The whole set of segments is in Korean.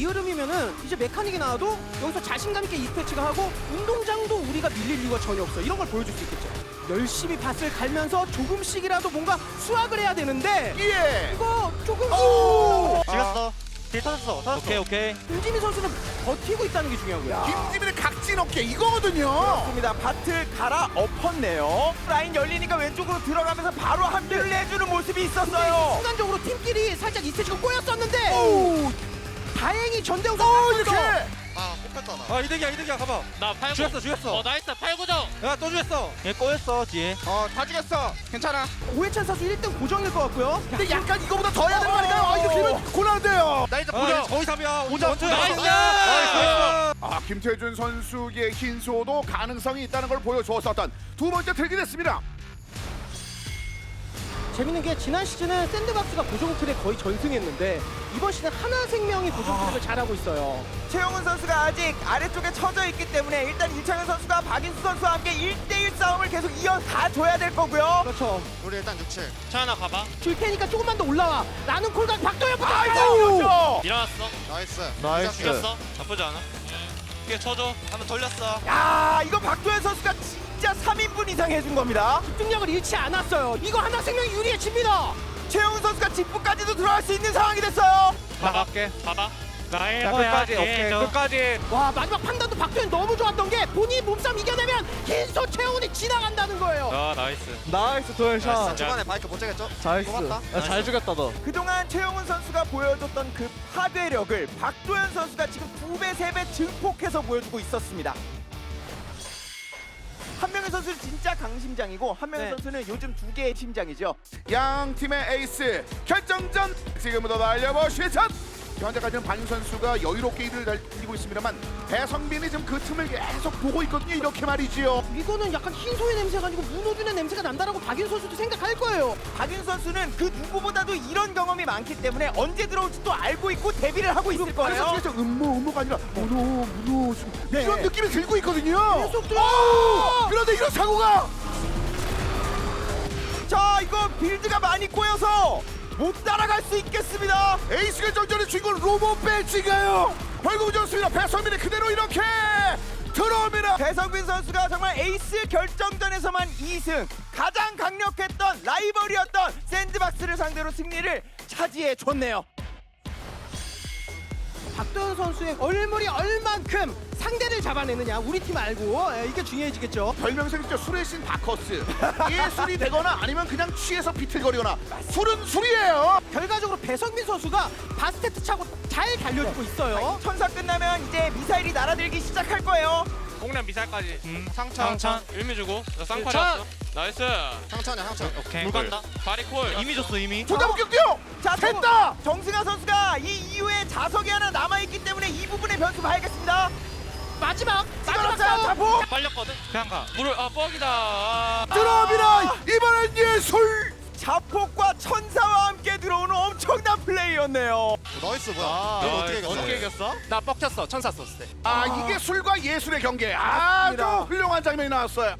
흐름이면은 이제 메카닉이 나와도 여기서 자신감 있게 이스패치가 하고 운동장도 우리가 밀릴 이유가 전혀 없어. 이런 걸 보여줄 수 있겠죠. 열심히 밭을 갈면서 조금씩이라도 뭔가 수확을 해야 되는데 예. 이거 조금 찍었어. 딜 터졌어. 오케이. 김지민 선수는 버티고 있다는 게 중요하고요. 김지민의 각진 어깨 이거거든요. 그렇습니다. 밭을 갈아 엎었네요. 라인 열리니까 왼쪽으로 들어가면서 바로 합류를 해주는 모습이 있었어요. 순간적으로 팀끼리 살짝 이스패치가 꼬였었는데 오, 다행히 전대웅 이렇게. 아 뽑혔다 나. 아 이득이야 가봐. 나 8구 죽였어. 나이스 8구정. 야또 죽였어. 얘 꼬였어 뒤에. 다 죽였어. 괜찮아. 오해찬 선수 1등 고정일 것 같고요. 근데 약간 이거보다 더 해야 되는 거 아닌가요? 이렇게 되면 곤란한데요. 나 이제 아 보자. 거의 3이야. 오자. 아, 김태준 선수의 흰소도 가능성이 있다는 걸 보여주었었던 두 번째 트랙이 됐습니다. 재밌는 게 지난 시즌은 샌드박스가 고정 트랙 거의 전승했는데 이번 시즌 하나생명이 고정 트랙을 잘하고 있어요. 최영훈 선수가 아직 아래쪽에 처져 있기 때문에 일단 이창현 선수가 박인수 선수와 함께 1대1 싸움을 계속 이어가줘야 될 거고요. 그렇죠. 우리 일단 6칠. 차하나 가봐. 줄 테니까 조금만 더 올라와. 라는 콜각 박도현부터 아이고! 일어났어. 나이스. 죽였어. 나쁘지 않아. 이게 쳐줘. 한번 돌렸어. 야, 이거 박도현 선수가 진짜 3인분 이상 해준 겁니다. 집중력을 잃지 않았어요. 이거 하나생명이 유리해집니다. 최영훈 선수가 직부까지도 들어갈 수 있는 상황이 됐어요. 봐볼게. 봐봐. 나의 끝까지 오케이 끝까지. 와, 마지막 판단도 박도현 너무 좋았던 게 본인 몸싸움 이겨내면 흰소 최영훈이 지나간다는 거예요. 아 나이스. 나이스 도현샷. 초반에 바이크 못 잡겠죠? 잘했어. 고맙다. 잘 죽였다 너. 그동안 최영훈 선수가 보여줬던 그 파괴력을 박도현 선수가 지금 2배, 3배 증폭해서 보여주고 있었습니다. 한명희 선수는 진짜 강심장이고 한명희 네. 선수는 요즘 2개의 심장이죠. 양 팀의 에이스 결정전 지금부터 날려보시죠. 현재까지는 반 선수가 여유롭게 이를 달리고 있습니다만 배성빈이 지금 그 틈을 계속 보고 있거든요. 이렇게 말이지요. 이거는 약간 흰소의 냄새가 아니고 문호준의 냄새가 난다라고 박인 선수도 생각할 거예요. 박윤 선수는 그 누구보다도 이런 경험이 많기 때문에 언제 들어올지 또 알고 있고 대비를 하고 있을 그래서 거예요. 진짜 음모가 아니라 문호 네. 이런 느낌이 들고 있거든요. 계속 그런데 이런 사고가 자, 이거 빌드가 많이 꼬여서 못 따라갈 수 있겠습니다. 에이스 결정전의 주인공 로봇 배지가요. 결국 좋습니다. 배성빈이 그대로 이렇게 들어옵니다. 배성빈 선수가 정말 에이스 결정전에서만 2승, 가장 강력했던 라이벌이었던 샌드박스를 상대로 승리를 차지해 줬네요. 박도현 선수의 얼물이 얼만큼 상대를 잡아내느냐 우리 팀 알고 이게 중요해지겠죠. 별명이 진짜 술의 신 바커스. 예술이 되거나 아니면 그냥 취해서 비틀거리거나 술은 술이에요. 결과적으로 배성민 선수가 바스테트 차고 잘 달려주고 있어요. 천사 끝나면 이제 미사일이 날아들기 시작할 거예요. 공략 미사일까지. 상천. 일미 주고. 나 쌍팔이었어. 나이스. 상천이야 상천. 오케이. 물 간다. 바리콜. 이미 줬어 이미. 조자복격이요. 자, 됐다. 정승아 선수가 이 이후에 자석이 하나 남아있기 때문에 이 부분의 변수 봐야겠습니다. 마지막 자, 싸움. 자폭 빨렸거든. 그냥 가. 물을 뻑이다. 아. 들어옵니다. 이번엔 예술. 자폭과 천사와 함께 들어오는 엄청난 플레이였네요. 나이스 뭐야? 너 어떻게 이겼어? 어떻게 이겼어? 나 뻑쳤어. 천사 썼을 때. 이게 술과 예술의 경계. 아주 맞습니다. 훌륭한 장면이 나왔어요.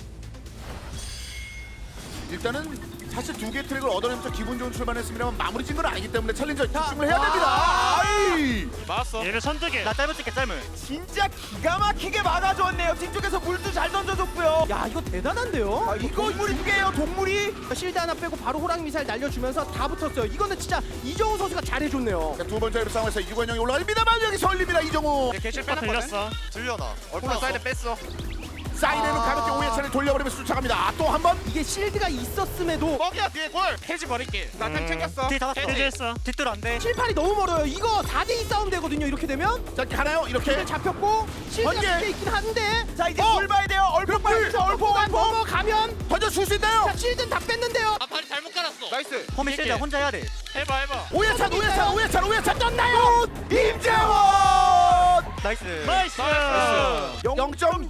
일단은 사실 두 개 트랙을 얻어내면서 기분 좋은 출발했습니다만 마무리 진 건 아니기 때문에 챌린저 집중을 해야 됩니다. 아이. 맞았어. 얘를 선택해. 나 짧을 찍게 짧을. 진짜 기가 막히게 막아줬네요. 뒤쪽에서 물도 잘 던져줬고요. 야, 이거 대단한데요. 이거 동물이 두 개예요, 동물이. 실드 하나 빼고 바로 호랑 미사일 날려주면서 다 붙었어요. 이거는 진짜 이정우 선수가 잘해줬네요. 자, 두 번째 싸움에서 유관영이 올라갑니다만 여기서 올립니다. 이정우. 개실 빼놨거든. 들려나? 콜라 사이드 뺐어. 사이드는 가볍게 오해찬을 돌려버리면서 쫓아갑니다. 또 한 번. 이게 실드가 있었음에도 뻑이야 뒤에 골. 해지 버릴게. 나템 챙겼어. 딜 잡았어. 해지했어. 뒷들 안 돼. 7팔이 너무 멀어요. 이거 4대2 싸움 되거든요. 이렇게 되면 자, 가나요? 이렇게. 잡혔고 실드가 번개. 밑에 있긴 한데 자, 이제 물 봐야 돼요. 얼굴 봐야 돼요. 얼굴 얼포가 넘어가면 던져 줄 수 있나요? 자, 실드는 다 뺐는데요. 아 발이 잘못 깔았어. 나이스. 홈이 세자 혼자 해야 돼. 해봐. 오해찬 떴나요? 임재원. 나이스. 나이스.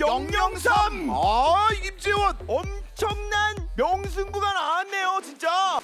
0.003. 임재원. 엄청난 명승부가 나왔네요, 진짜.